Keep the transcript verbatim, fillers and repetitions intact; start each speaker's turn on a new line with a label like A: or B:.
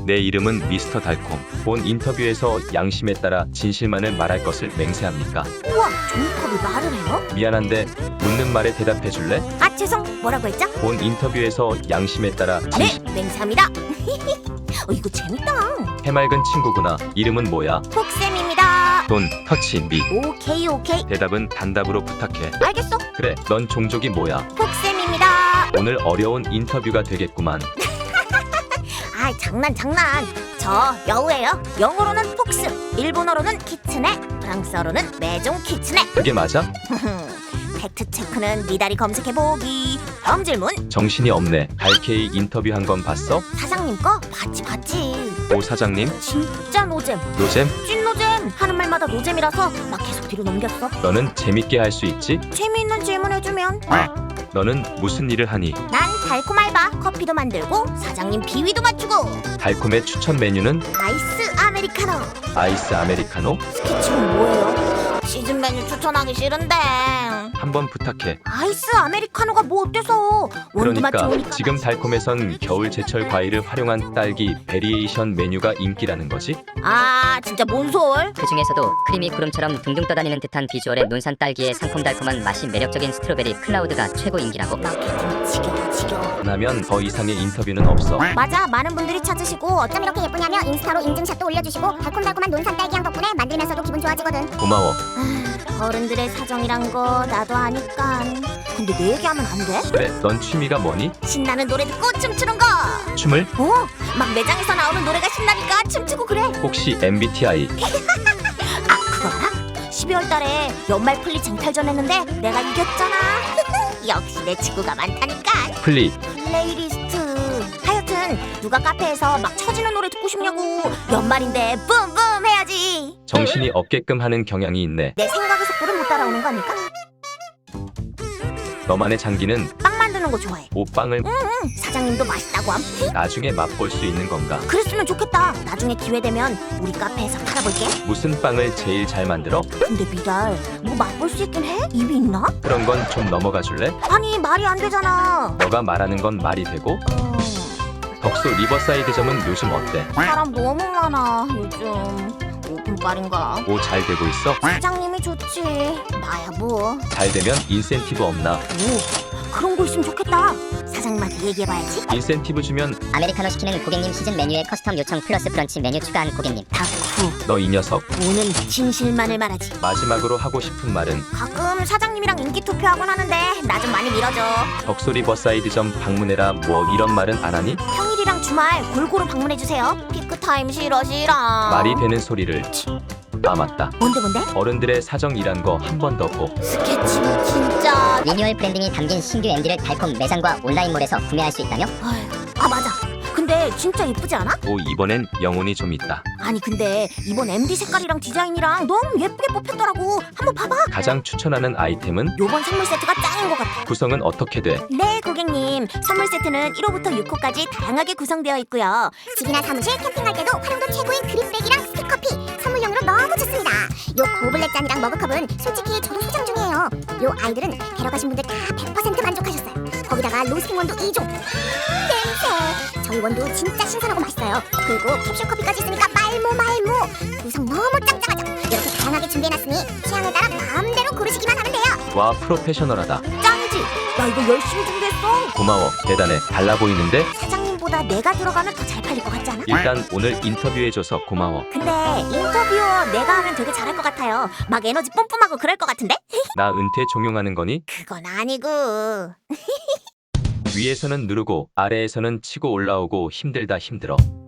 A: 내 이름은 미스터 달콤. 본 인터뷰에서 양심에 따라 진실만을 말할 것을 맹세합니까?
B: 우와, 종이컵이 말을 해요?
A: 미안한데 묻는 말에 대답해 줄래?
B: 아, 죄송. 뭐라고 했죠?
A: 본 인터뷰에서 양심에 따라 진실.
B: 네, 맹세합니다. 어, 이거 재밌다.
A: 해맑은 친구구나. 이름은 뭐야?
B: 폭쌤입니다.
A: 돈, 터치, 미.
B: 오케이, 오케이.
A: 대답은 단답으로 부탁해.
B: 알겠어.
A: 그래, 넌 종족이 뭐야?
B: 폭쌤입니다.
A: 오늘 어려운 인터뷰가 되겠구만.
B: 아, 장난 장난. 저 여우예요. 영어로는 폭스, 일본어로는 키츠네, 프랑스어로는 매종 키츠네.
A: 그게 맞아?
B: 팩트 체크는 미다리 검색해 보기. 다음 질문.
A: 정신이 없네. 달케이 인터뷰한 건 봤어?
B: 사장님 거 봤지 봤지.
A: 오 사장님?
B: 진짜 노잼.
A: 노잼?
B: 찐 노잼. 하는 말마다 노잼이라서 막 계속 뒤로 넘겼어.
A: 너는 재밌게 할 수 있지?
B: 재미있는 질문 해주면.
A: 너는 무슨 일을 하니?
B: 난 달콤 알바. 커피도 만들고 사장님 비위도 맞추고.
A: 달콤의 추천 메뉴는?
B: 아이스 아메리카노.
A: 아이스 아메리카노?
B: 스케치는 뭐예요? 시즌 메뉴 추천하기 싫은데.
A: 한번 부탁해.
B: 아이스 아메리카노가 뭐 어때서? 원두맛
A: 그러니까
B: 좋으니까.
A: 지금 달콤에선 겨울 제철 과일을 활용한 딸기 베리에이션 메뉴가 인기라는 거지?
B: 아, 진짜 뭔 소울?
C: 그 중에서도 크림이 구름처럼 둥둥 떠다니는 듯한 비주얼의 논산 딸기의 상콤달콤한 맛이 매력적인 스트로베리 클라우드가 최고 인기라고.
B: 마케팅 지겨워 지겨워.
A: 라면 더 이상의 인터뷰는 없어.
B: 맞아, 많은 분들이 찾으시고 어쩜 이렇게 예쁘냐며 인스타로 인증샷도 올려주시고 달콤달콤한 논산 딸기향 덕분에 만들면서도 기분 좋아지거든.
A: 고마워.
B: 아, 어른들의 사정이란 거 나도 아니까. 근데 내 얘기하면 안 돼?
A: 그래, 넌 취미가 뭐니?
B: 신나는 노래 듣고 춤추는 거.
A: 춤을?
B: 어, 막 매장에서 나오는 노래가 신나니까 춤추고 그래.
A: 혹시 엠비티아이?
B: 아, 그거 알아? 십이월 달에 연말 플리 쟁탈전 했는데 내가 이겼잖아. 역시 내 친구가 많다니까.
A: 플리.
B: 플레이리스트. 하여튼 누가 카페에서 막 쳐지는 노래 듣고 싶냐고. 연말인데 뿜뿜 해야지.
A: 정신이 없게끔 하는 경향이 있네.
B: 내 생각의 속도를 못 따라오는 거 아닐까?
A: 너만의 장기는
B: 빵 만드는 거 좋아해.
A: 오빵을
B: 응, 사장님도 맛있다고 함.
A: 나중에 맛볼 수 있는 건가?
B: 그랬으면 좋겠다. 나중에 기회 되면 우리 카페에서 팔아볼게.
A: 무슨 빵을 제일 잘 만들어?
B: 근데 미달, 뭐 맛볼 수 있긴 해? 입이 있나?
A: 그런 건 좀 넘어가 줄래?
B: 아니, 말이 안 되잖아.
A: 너가 말하는 건 말이 되고?
B: 어,
A: 덕소 리버사이드점은 요즘 어때?
B: 사람 너무 많아 요즘. 오픈빨인가?
A: 오 잘 되고 있어?
B: 사장님이 좋지. 나야 뭐.
A: 잘 되면 인센티브 없나?
B: 오, 그런 거 있으면 좋겠다. 사장님한테 얘기해봐야지.
A: 인센티브 주면
C: 아메리카노 시키는 고객님 시즌 메뉴에 커스텀 요청 플러스 브런치 메뉴 추가한 고객님.
B: 다쿠.
A: 너 이 녀석.
B: 오는 진실만을 말하지.
A: 마지막으로 하고 싶은 말은?
B: 가끔 사장님이랑 인기 투표하곤 하는데 나 좀 많이 밀어줘.
A: 덕소 리버사이드점 방문해라 뭐 이런 말은 안 하니?
B: 평일이랑 주말 골고루 방문해주세요. 피크타임 싫어 싫어.
A: 말이 되는 소리를. 아 맞다.
B: 뭔데 뭔데?
A: 어른들의 사정이란 거 한 번 더 보.
B: 스케치북 진짜.
C: 리뉴얼 브랜딩이 담긴 신규 엠디를 달콤 매장과 온라인몰에서 구매할 수 있다며?
B: 아휴, 아 맞아. 근데 진짜 예쁘지 않아?
A: 오 이번엔 영혼이 좀 있다.
B: 아니 근데 이번 엠디 색깔이랑 디자인이랑 너무 예쁘게 뽑혔더라고. 한번 봐봐.
A: 가장 추천하는 아이템은?
B: 요번 선물 세트가 짱인 것 같아.
A: 구성은 어떻게 돼?
B: 네 고객님, 선물 세트는 일 호부터 육 호까지 다양하게 구성되어 있고요. 집이나 사무실, 캠핑할 때도 활용도 최고인 그린백이랑 스틱커피 선물용으로 너무 좋습니다. 요 고블렛 잔이랑 머그컵은 솔직히 저도 소장 중이에요. 요 아이들은 데려가신 분들 다 백 퍼센트 만족하셨어요. 거기다가 로스팅 원두 이 종. 냄새. 저희 원두 진짜 신선하고 맛있어요. 그리고 캡슐 커피까지 있으니까 말모 말모. 구성 너무 짱짱하죠. 이렇게 다양하게 준비해놨으니 취향에 따라 마음대로 고르시기만 하면 돼요.
A: 와 프로페셔널하다.
B: 짱이지? 나 이거 열심히 준비했어.
A: 고마워. 대단해. 달라 보이는데?
B: 사장님보다 내가 들어가면 더 잘 팔릴 것 같지 않아?
A: 일단 오늘 인터뷰해줘서 고마워.
B: 근데 인터뷰어 내가 하면 되게 잘할 것 같아요. 막 에너지 뿜뿜하고 그럴 것 같은데?
A: 나 은퇴 종용하는 거니?
B: 그건 아니고.
A: 위에서는 누르고 아래에서는 치고 올라오고 힘들다 힘들어.